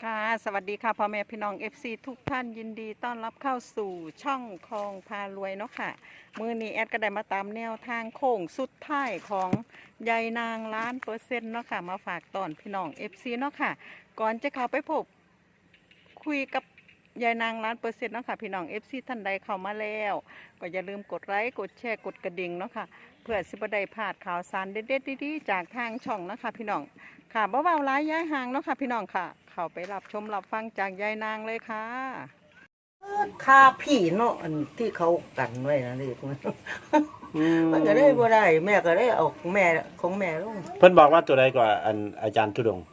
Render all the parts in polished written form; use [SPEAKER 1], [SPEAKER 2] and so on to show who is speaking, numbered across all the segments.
[SPEAKER 1] ค่ะสวัสดีค่ะพ่อแม่พี่น้อง FC ทุกท่านยินดีต้อนรับเข้าสู่ช่องคลองพารวยเนาะค่ะมือนี้แอดก็ได้มาตามแนวทางโค้งสุดท้ายของยายนาง1,000,000%เนาะค่ะมาฝากตอนพี่น้อง FC เนาะค่ะก่อนจะเข้าไปพบคุยกับยายนาง1,000,000%เนาะค่ะพี่น้อง FC ท่านใดเข้ามาแล้วก็อย่าลืมกดไลค์กดแชร์กดกระดิ่งเนาะค่ะเพื่อสิบได้พลาดข่าวสารเด็ดๆดีๆจากทางช่องเนาะค่ะพี่น้องค่ะบ่เบาร้ายย้ายห่างเนาะค่ะพี่น้องค่ะเข้าไปรับชมรับฟังจากยายนางเลยค่ะ
[SPEAKER 2] ค่าพี่เนาะอันที่เขากันไว้นะเด็กมันก็ได้บ่ได้แม่ก็ได้เอาแม่ของแม่ลง
[SPEAKER 3] เพิ่นบอกว่าตัวใดกว่าอันอาจารย์ทุดงค์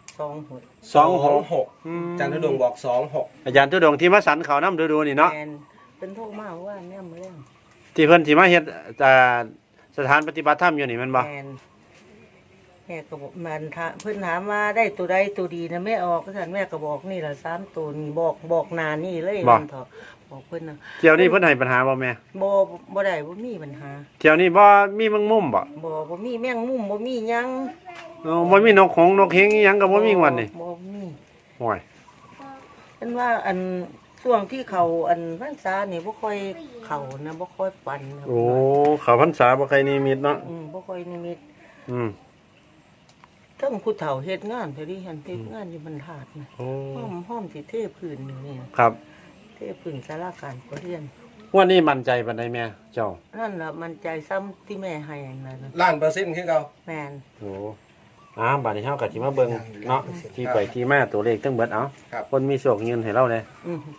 [SPEAKER 4] จันทดงบอก26
[SPEAKER 3] อาจารย์ทุดงค์ที่มาสันเขาน้ำดูนี่เนาะ
[SPEAKER 2] แม่นเป็นโทรมาว่าแม่มาแล้ว
[SPEAKER 3] ที่เพิ่นที่มาเฮ็ดสถานปฏิบัติธรรมอยู่นี่แมันบ่
[SPEAKER 2] แม่ก็บอกมันเพิ่นถามว่าได้ตัวใดตัวดีนะแม่ออกก็ท่านแม่ก็บอกนี่ล่ะ3ตัวนี่บอกหน้านี่เลยมันเถาะบอกเพิ่นน่ะ
[SPEAKER 3] เที่ยวนี้เพิ่นให้ปัญหาบ่แม่
[SPEAKER 2] บ่ได้บ่มีปัญหา
[SPEAKER 3] เที่ยวนี้บ่มีแมงมุมบ่
[SPEAKER 2] บ่มีแมงมุมบ่มีหยัง
[SPEAKER 3] บ่มีนกหงส์นกเฮงอีหยังก็บ่มีงวดนี่
[SPEAKER 2] บ่มี
[SPEAKER 3] โอ้ย
[SPEAKER 2] เพิ่นว่าอันช่วงที่เขาอันพรรษานี่บ่ค่อยเข้านะบ่ค่อยปันนะ
[SPEAKER 3] โอ้เขาพรรษาบ่ใครนิมิตเนาะ
[SPEAKER 2] บ่ค่อยนิมิต
[SPEAKER 3] อืม
[SPEAKER 2] ทั้งผู้เฒ่าเฮ็ดงานแต่ดิหันเฮ็ดงานอยู่บรรทัดนะ
[SPEAKER 3] โอ้
[SPEAKER 2] ห้อมสิเทพื้นนี่
[SPEAKER 3] ครับ
[SPEAKER 2] เทพื้นศาลาการประเรียน
[SPEAKER 3] วันนี้มั่นใจปานใดแม่เจ้า
[SPEAKER 2] นั่นล่ะมันใจซ้ำที่แม่ให้นั่นน่ะ
[SPEAKER 4] 1,000,000%คือเก่า
[SPEAKER 2] แม่น
[SPEAKER 3] โอ้บัดนี้เฮาก็สิมาเบิ่งเนาะที่ไปที่มาตัวเลขทั้งเบิดเอา
[SPEAKER 4] ครับ
[SPEAKER 3] คนมีโชคเงินให้เราเด้
[SPEAKER 2] อือ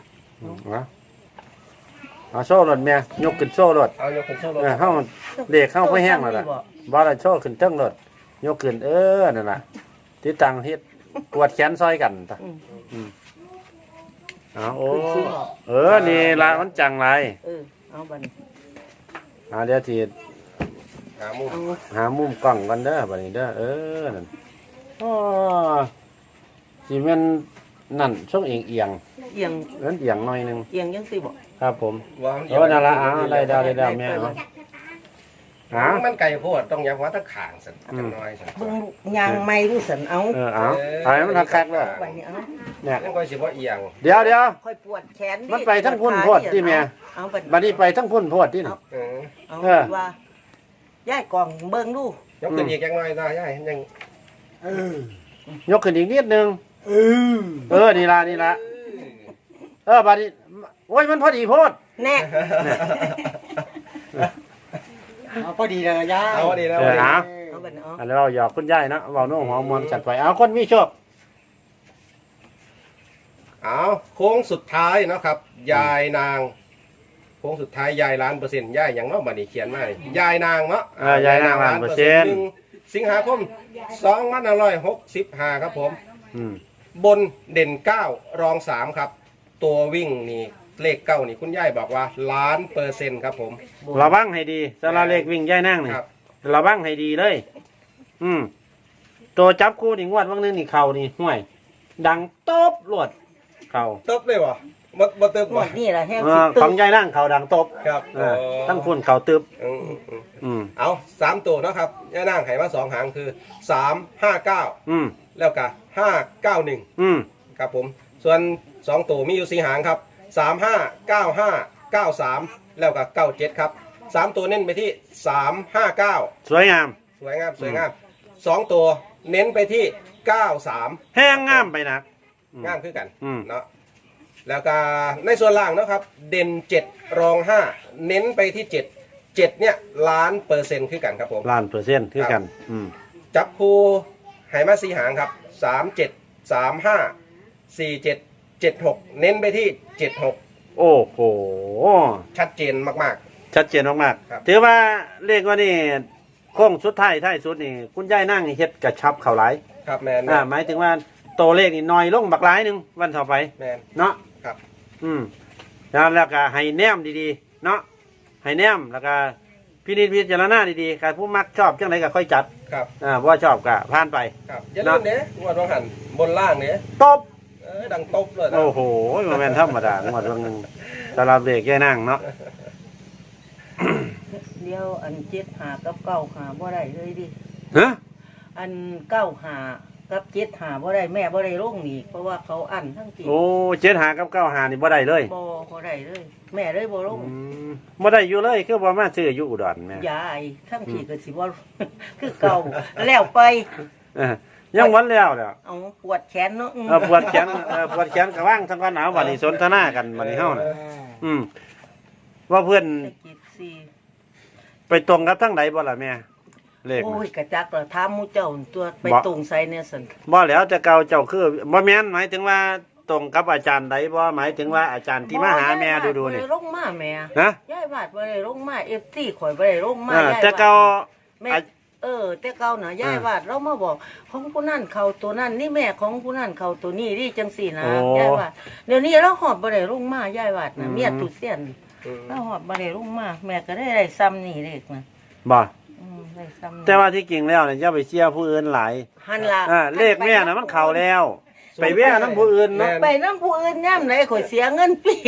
[SPEAKER 3] เอาโซ่รถแม่ยกขึ้นโซ่รถ
[SPEAKER 4] เอายกขึ้นโซ่รถ
[SPEAKER 3] เข้าเด็กเข้าไปแห้งแล้วล่ะบ่ได้โซ่ขึ้นเทิงรถยกขึ้นนั่นล่ะที่ตังเฮ็ดปวดแขนซอยกันตะเอาโอ้นี่ละมันจังไร
[SPEAKER 2] เอาบัดนี้
[SPEAKER 3] เดี๋ยวที
[SPEAKER 4] หามุม
[SPEAKER 3] หามุมกล้องกันเด้อบัดนี้เด้อนั่นอ๋อสิแม่นนั่นช่วงเอียง
[SPEAKER 2] เอียง
[SPEAKER 3] เอียงหน่อยนึง
[SPEAKER 2] เอียงจังซี่บ่
[SPEAKER 3] ครับผม
[SPEAKER 4] วาง
[SPEAKER 3] นั่นละได้แม่เอา
[SPEAKER 4] มันไก่โพดต้องยักว่าตะขางสันจังน้อยสัน
[SPEAKER 2] เบิ่งยางไม้รู้สันเอา
[SPEAKER 3] เอาให้มันคักๆเด้อ
[SPEAKER 2] บัดนี้เอา
[SPEAKER 3] เนี่ย
[SPEAKER 4] นั่นก็สิบ่เอียง
[SPEAKER 3] เดี๋ยว
[SPEAKER 2] ค่อยปวดแขน
[SPEAKER 3] มันไปทั้งพุ่นโพดที่แม่
[SPEAKER 2] เอา
[SPEAKER 3] บัดนี้ไปทั้งพุ่นโพดที่นี่
[SPEAKER 4] เออ
[SPEAKER 2] เอาว่ายายกล่องเบิ่งดู
[SPEAKER 4] ยกขึ้นอีกจังน้อยได้ยัง
[SPEAKER 3] ยกขึ้นอีกนิดนึงนี่ละบัดนี้โอ้ยมันพอดีโพด
[SPEAKER 2] แน่
[SPEAKER 5] พอดีเลยย่า
[SPEAKER 4] เอาดีแล้ว
[SPEAKER 2] เอาบัดนี้เอา
[SPEAKER 3] อันนี้เราหยอกคุณยายเนาะเว้าโน้หัวมวนจัดไปเอาคนมีโชค
[SPEAKER 4] เอาโค้งสุดท้ายนะครับยายนางโค้งสุดท้ายยาย1,000,000%ยายอย่างเนาะบัดนี้เขียนมานี่ยายนางเนาะ
[SPEAKER 3] ยายนาง1,000,000
[SPEAKER 4] 1สิงหาคม2565ครับผม บนเด่น9รอง3ครับตัววิ่งนี่เลข9นี่คุณยายบอกว่า1,000,000%ครับผม
[SPEAKER 3] ระวังให้ดีสำหรับเลขวิ่งยายนั่งนี่
[SPEAKER 4] ครับ
[SPEAKER 3] ระวังให้ดีเลย ตัวจับคู่นี่งวดวันนึงนี่เข่านี่ห่วย ดังตบหลวดเข่า
[SPEAKER 4] เติบเลยวะบ่เติบ
[SPEAKER 2] หม
[SPEAKER 4] วะ
[SPEAKER 2] ดนี่ล่ะแห้ง
[SPEAKER 3] ของยายนั่งเข่าดังตบ
[SPEAKER 4] ครับ
[SPEAKER 3] ตั้งพุ่นเข่าตึบ
[SPEAKER 4] เอา3ตัวเนาะครับย่านางไห้มา2หางคือ359แล้วก็591ครับผมส่วน2ตัวมีอยู่4หางครับ359593แล้วก็97ครับ3ตัวเน้นไปที่359
[SPEAKER 3] สวยงาม
[SPEAKER 4] สวยงาม2ตัวเน้นไปที่93
[SPEAKER 3] แห้งงามไปนะ
[SPEAKER 4] งามคือกัน
[SPEAKER 3] เนาะ
[SPEAKER 4] เนาะแล้วก็ในส่วนล่างเนาะครับเด่น7รอง5เน้นไปที่7เนี่ย1,000,000%คือกันครับผม
[SPEAKER 3] 1,000,000%คือกัน
[SPEAKER 4] จับคู่ไหมา4หางครับ37 35 47 76เน้นไปที่76
[SPEAKER 3] โอ้โห
[SPEAKER 4] ชัดเจนมาก
[SPEAKER 3] ชัดเจนมาก
[SPEAKER 4] ครับ
[SPEAKER 3] ๆถือว่าเลขว่านี่โค้งสุดท้ายสุดนี่คุณยายนั่งนี่เฮ็ดกระชับเข่าหลาย
[SPEAKER 4] ๆครับแมน
[SPEAKER 3] หมายถึงว่าตัวเลขนี่น้อยลงบักหลายหนึงวันต่อไป
[SPEAKER 4] แมน
[SPEAKER 3] เนาะ
[SPEAKER 4] ครับ
[SPEAKER 3] แล้วก็ให้แนมดีๆเนาะให้แนมแล้วก็พินิจพิจารณาดีๆการผู้มักชอบจังไดก็ค่อยจัด
[SPEAKER 4] ครับ
[SPEAKER 3] ว่าชอบก็ผ่านไป
[SPEAKER 4] ครับอย่าลืมเด้งวดว่าหันบนล่างเด้
[SPEAKER 3] ตบ
[SPEAKER 4] ดังตบเลยนะ
[SPEAKER 3] โอ้โหมันเป็นธรรมดาหมดวันนึงสำหรับเด็กแค่นั่งเนาะ
[SPEAKER 2] เดียวอัน7 5กับ9 5บ่ได้เลยดิ
[SPEAKER 3] ฮะ
[SPEAKER 2] อัน9 5 กับเจ็ดหาบ่ได้แม่บ่ได้ลงนี่เพราะว่าเขาอั้นทั้งที
[SPEAKER 3] โอ้เจ็ดหากับเก้าหานี่บ่ได้เลย
[SPEAKER 2] บ่ได้เลย แม่เลยบ่ลง
[SPEAKER 3] บ่ได้อยู่เลยคือบ่มาซื้ออยู่อุดรแม่
[SPEAKER 2] ยายทั้งทีก็สิบ่ คือเก่าแล้วไป
[SPEAKER 3] เออยังวันแล้วเด้อ
[SPEAKER 2] เอาปวดแขนเนาะ
[SPEAKER 3] ปวดแขนปวดแขนกระว่างทั้งวันหนาวบัดนี้สนทนากันบัดนี้เฮาน่ะว่าเพื่อน
[SPEAKER 2] ไปกินสิ
[SPEAKER 3] ไปตรงกับทั้งไหนบ่ล่ะแม่เลข
[SPEAKER 2] โอ้
[SPEAKER 3] น่ะ
[SPEAKER 2] ยกระจักละถามหมู่เจ้าตัวไป
[SPEAKER 3] บ่
[SPEAKER 2] ตรงใส่เนี่ยซั่น
[SPEAKER 3] บ่แล้วแต่เก่าเจ้าคือบ่แม่นหมายถึงว่าตรงกับอาจารย์ใดบ่หมายถึงว่าอาจารย์ที่มาหาแม่ดูๆนี่
[SPEAKER 2] บ่ได้ลงมาแม่
[SPEAKER 3] นะ
[SPEAKER 2] ยายบาดบ่ได้ลงมา FT ข่อยบ่ได้ลงมา
[SPEAKER 3] เออย
[SPEAKER 2] าย
[SPEAKER 3] แต่
[SPEAKER 2] บาด
[SPEAKER 3] เก่า
[SPEAKER 2] แม่แต่เก่าน่ะยายบาดเรามาบอกของผู้นั่นเขาตัวนั่นนี่แม่ของผู้นั่นเขาตัวนี้นี่จังซี่นะ
[SPEAKER 3] โอ้
[SPEAKER 2] ยายบาดเดี๋ยวนี้เราหอบบ่ได้ลงมายายบาดน่ะ
[SPEAKER 3] อืม
[SPEAKER 2] เมียตุเสียนเราหอบบ่ได้ลงมาแม่ก็ได้ซ้ำนี่เด็กนะ
[SPEAKER 3] บ่
[SPEAKER 2] ได้ซ้ำนี่
[SPEAKER 3] แต่ว่าที่จริงแล้วเนี่ยอย่าไปเชื่อผู้อื่นหลาย
[SPEAKER 2] หันล่ะ
[SPEAKER 3] เลขแม่น่ะมันเข้าแล้ว ไปแว่นํผู้อื่นเนาะ
[SPEAKER 2] ไปน้ำผู้อื่นย่ำไหนข่อยเสียเงินปี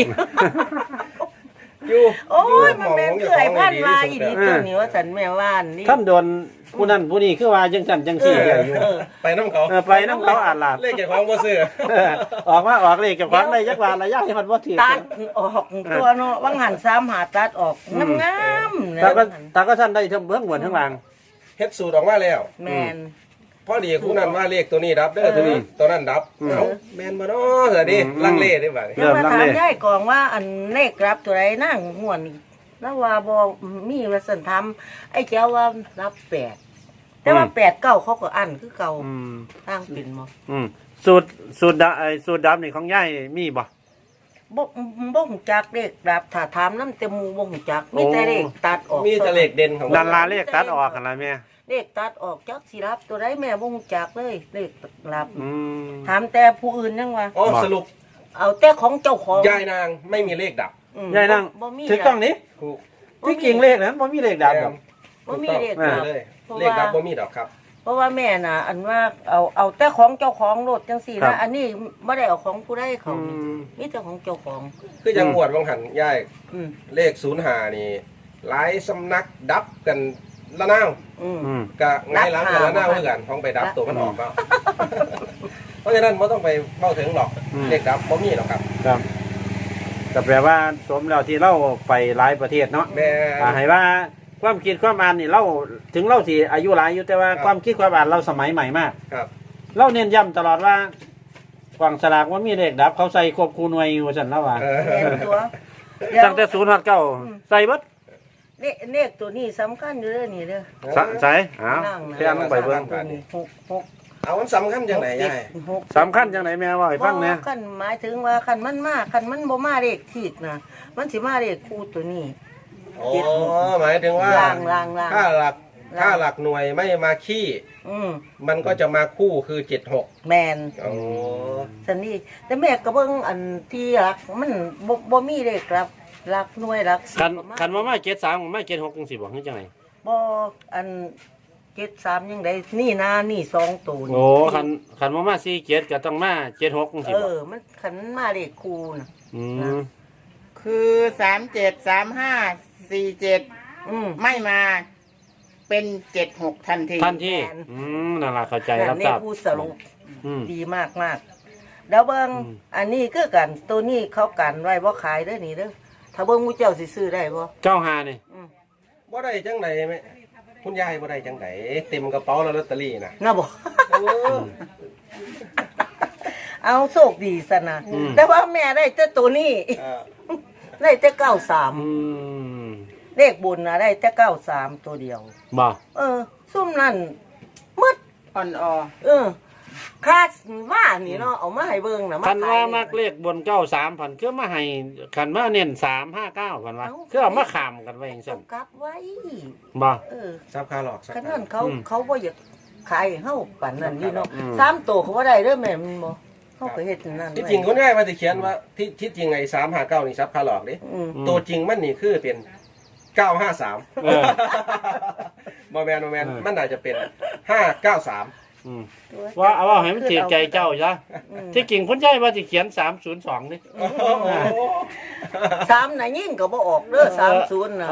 [SPEAKER 4] อยู่
[SPEAKER 2] โอ้ย
[SPEAKER 4] ห
[SPEAKER 2] มัน
[SPEAKER 4] อง
[SPEAKER 2] เป็น
[SPEAKER 4] ข
[SPEAKER 2] เก
[SPEAKER 4] อง
[SPEAKER 2] ยพัน
[SPEAKER 4] ดี
[SPEAKER 2] มา
[SPEAKER 4] ที่
[SPEAKER 2] อี
[SPEAKER 4] สุ
[SPEAKER 2] ดี
[SPEAKER 4] ด
[SPEAKER 2] ตัวนี้ว่าสันแม่ว่านนี่
[SPEAKER 3] ท่านโดนผู้นั้นผู้นี้คือว่าจังซั่นจังซี่อยู่
[SPEAKER 4] ไปน้ำเขา
[SPEAKER 3] ไปนํเขาอ่านลาด
[SPEAKER 4] เลขเจ้าของบ่ซื้อ
[SPEAKER 3] ออกมาออกเลขเกับความได้จักว่าระยะให้มันบ่ถือ
[SPEAKER 2] ตัดออกตัวเนาะว่างหันซ้ำหาตัดออกงามๆเนี่ย
[SPEAKER 3] แต่ก็ท่านได้ทั้งเบื้องบนทั้งล่าง
[SPEAKER 4] เฮ็ดสูตรออกมาแล้ว
[SPEAKER 2] แมน
[SPEAKER 4] พอดีคู่นั้นว่าเลขตัวนี้ดับเด้อตัวนี้ตัวนั้นดับเอ้าแม่นบ่เนาะเฮ้ยดิลังเลได้บ่
[SPEAKER 2] เดี๋ยวมาถามยายกองว่าอันเลขรับตัวไรนั่งม่วนนี่แล้วว่าบอมีว่าสันทำไอ้เจ้าว่ารับ8แต่ว่า8 9เขาก็อันคือเก่า
[SPEAKER 3] อืม
[SPEAKER 2] ตั้งเป็นบ่
[SPEAKER 3] สูตรดับนี่ของยายมีบ่
[SPEAKER 2] บ่ฮู้จักเลขรับถ้าถามนำแต่หมู่บ่ฮู้จักมีแต่เลขตัดออก
[SPEAKER 4] มีแต่เลขเด่นของ
[SPEAKER 3] ดันลาเลขตัดออกกันละแม่
[SPEAKER 2] เลขตัดออกจักสิรับตัวใดแม่บ่ฮู้จักเลยเลขรับ
[SPEAKER 3] อืม
[SPEAKER 2] ถามแต่ผู้อื่นยังว่า
[SPEAKER 4] อ๋อสรุป
[SPEAKER 2] เอาแต่ของเจ้าของ
[SPEAKER 4] ยายนางไม่มีเลขดับ
[SPEAKER 3] ยายนั่ง
[SPEAKER 2] บ่มี
[SPEAKER 3] ถูกต้องนี่
[SPEAKER 4] ถูก
[SPEAKER 3] ที่จริงเลขนั้นบ่มีเลขดับดอก
[SPEAKER 2] บ่มีเลข
[SPEAKER 4] ถูก
[SPEAKER 2] ดั
[SPEAKER 4] ต้อง
[SPEAKER 2] บ
[SPEAKER 4] เลย
[SPEAKER 2] เพราะว่า
[SPEAKER 4] เลขดับบ่มีดอกครับ
[SPEAKER 2] เพราะว่าแม่น่ะ อันว่าเอาแต่ของเจ้าของรถจังซี่นะอันนี้บ่ได้เอาของผู้ใดเขานี่มีแต่ของเจ้าของ
[SPEAKER 4] คือยังอวดวังหันยาย
[SPEAKER 2] อืม
[SPEAKER 4] เลข05นี่หลายสำนักดับกันละนาว
[SPEAKER 2] อืม
[SPEAKER 3] อืม
[SPEAKER 4] ก็ไงหลังกันละนาวคือกันของไปดับตัวมันออกแล้วเพราะฉะนั้นบ่ต้องไปเว้าถึงหรอกเลขดับบ่มีหรอกครับ
[SPEAKER 3] ครับก็แปลว่าสมแล้วที่เราไปหลายประเทศเนาะ
[SPEAKER 4] แม่
[SPEAKER 3] ให้ว่าความคิดความอ่านนี่เราถึงเราสิอายุหลายอยู่แต่ว่าความคิดความอ่านเราสมัยใหม่มาก
[SPEAKER 4] ครับ
[SPEAKER 3] เราเน้นย้ำตลอดว่ากวางสลากว่ามีเลขดับ เขาใส่ควบคู่หน่วยอยู่ว่าซั่นแล้วว่า
[SPEAKER 4] เออ
[SPEAKER 2] แม่นตัวเดี๋ยว
[SPEAKER 3] ตั้งแต่0ฮอด9ใส่เบิด
[SPEAKER 2] เลขตัวนี้สำคัญอยู่เด้อนี่เด้อ
[SPEAKER 3] ใส่อ้าว
[SPEAKER 2] นั่งนะ
[SPEAKER 3] เพียงลงไปเบิ่ง
[SPEAKER 2] ตัวนี้6
[SPEAKER 4] เอามันสำคัญจังไหนยาย
[SPEAKER 2] 6
[SPEAKER 3] สำคัญจังไหนแม่ว่าให้ฟังแหน่
[SPEAKER 2] คันหมายถึงว่าคันมันมาคันมันบ่มาเลขขีดนะมันสิมาเลขคู่ตัวนี้
[SPEAKER 4] อ๋อหมายถึงว่า
[SPEAKER 2] ล่าง
[SPEAKER 4] ถ้าหลักหน่วยไม่มาขี้ มันก็จะมาคู่คือ76
[SPEAKER 2] แมน
[SPEAKER 4] อ๋อ
[SPEAKER 2] สันนี่แต่แม่ก็เบิ่งอันที่รักมันบ่มีเลขรับรักหน่วยรักสิบ
[SPEAKER 3] คันว่ามา73กับมา76จังซี่บ่คือจังได๋
[SPEAKER 2] บ่อัน73ยังไดนี่นะนี่2ตัวนี่
[SPEAKER 3] โอ้คันว่ามา47ก็ต้องมา76จังซี่บ่
[SPEAKER 2] มันคันมันมาเลขคู่น่ะ
[SPEAKER 3] อืม
[SPEAKER 1] คือ373547ไม่มาเป็น76ทันที
[SPEAKER 3] ทันทีนั่นล่ะเข้าใจรับ
[SPEAKER 2] นี่
[SPEAKER 3] ทราบ
[SPEAKER 2] ผู้สรุป
[SPEAKER 3] อืม
[SPEAKER 2] ดีมากแล้วเบิ่ง
[SPEAKER 3] อืม
[SPEAKER 2] อันนี้คือกันตัวนี้เขากันไว้บ่ขายเด้อนี่เด้อถ้าเบิ่งหมู่เจ้าสิซื้อได้บ่
[SPEAKER 3] 95นี่
[SPEAKER 4] บ่ได้จังไหนแม่คุณยายบ่ได้จังไหนเต็มกระเป๋าแล้วลอตเตอรี่น่ะ
[SPEAKER 2] น่ะบ่
[SPEAKER 4] โอ้
[SPEAKER 2] เอาโชคดีซะนะแต่ว่าแม่ได้แต่ตัวนี้
[SPEAKER 4] เออ
[SPEAKER 2] ได้แต่
[SPEAKER 3] อื
[SPEAKER 2] 93
[SPEAKER 3] ม
[SPEAKER 2] เลขบุญนะได้แต่93ตัวเดียว
[SPEAKER 3] บ่
[SPEAKER 2] ซุ่มนั่นมืด
[SPEAKER 1] อ่อนออ
[SPEAKER 2] คาดว่านี่เนาะเอามาให้เบิ่งน่ะ
[SPEAKER 3] คัน
[SPEAKER 2] ขย
[SPEAKER 3] ว่ามักเลขบน93พันคือมาให้คันมาเน้น359พันว่าคือเอามาข้ามกันไว้จังซั่น
[SPEAKER 2] กลับไว้
[SPEAKER 3] บ่
[SPEAKER 4] ซับคาหลอกซับ
[SPEAKER 2] คัน
[SPEAKER 4] คา
[SPEAKER 2] นั้น
[SPEAKER 3] อืม
[SPEAKER 2] เขาบ่อยากขายให้เฮาปานนั้นนี่เนาะ
[SPEAKER 3] อืม
[SPEAKER 2] 3ตัวเขาบ่ได้เด้อแม่มันบ่เฮาก็เฮ็ดนั่น
[SPEAKER 4] ที่จริงคุณยายว่าสิเขียนว่าที่จริงไอ้359นี่ซับคาหลอกเด้
[SPEAKER 2] อืม
[SPEAKER 4] ตัวจริงมันนี่คือเป็น953
[SPEAKER 3] เออ
[SPEAKER 4] บ่แม่นมันน่าจะเป็น593
[SPEAKER 3] อืมว่าเอาให้มันถือใจเจ้าซะที่จริงคุณยายว่าสิเขียน302นี่
[SPEAKER 2] 3น่ะยิ่งก็บ่ออกเด้อ30น่ะ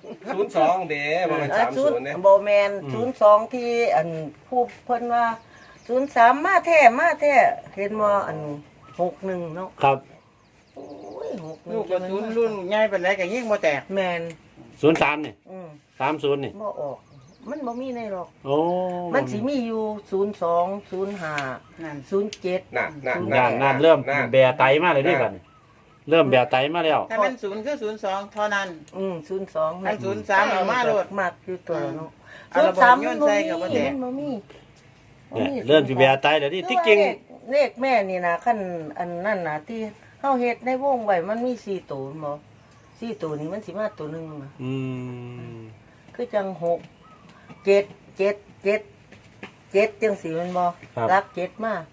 [SPEAKER 4] 02เด้บ่แม่น30เด้
[SPEAKER 2] บ่แม่น02ที่อันผู้เพิ่นว่า 03มาแท้เห็นบ่อัน61เนาะ
[SPEAKER 3] ครับ
[SPEAKER 2] โอ้ย61
[SPEAKER 5] ลูกกระสุนรุ่นใหญ่ปานใดก็ยิงบ่แตก
[SPEAKER 2] แม่น
[SPEAKER 3] 03นี่
[SPEAKER 2] อืม
[SPEAKER 3] 30นี่
[SPEAKER 2] บ่ออกมันบ่มีในหรอก
[SPEAKER 3] โอ้
[SPEAKER 2] มันสิมีอยู่02 05
[SPEAKER 5] นั่น
[SPEAKER 2] 07
[SPEAKER 4] นั่นนั่น
[SPEAKER 3] นั่นเริ่มแบะไตมาเลยดิบัดนี้เริ่มแบะไตมาแล้ว
[SPEAKER 5] ถ้ามัน0คือ02เท่านั้น
[SPEAKER 2] 02
[SPEAKER 5] อัน03เอามาโลด
[SPEAKER 2] มากอยู่ตัวเนาะ
[SPEAKER 5] เอาระเบิดโยนใส่กับบ่แตก
[SPEAKER 2] มันบ่มี
[SPEAKER 3] เนี่ยเริ่มสิแบะไตแล้วดิที่จริง
[SPEAKER 2] เลขแม่นี่นะขั้นอันนั่นนะที่เฮาเฮ็ดในวงไว้มันมี4ตัวบ่4ตัวนี้มันสิมาตัวหนึงนะ
[SPEAKER 3] อืม
[SPEAKER 2] คือจัง6 7 7 7 7จังสิแม่นบ่รัก7มา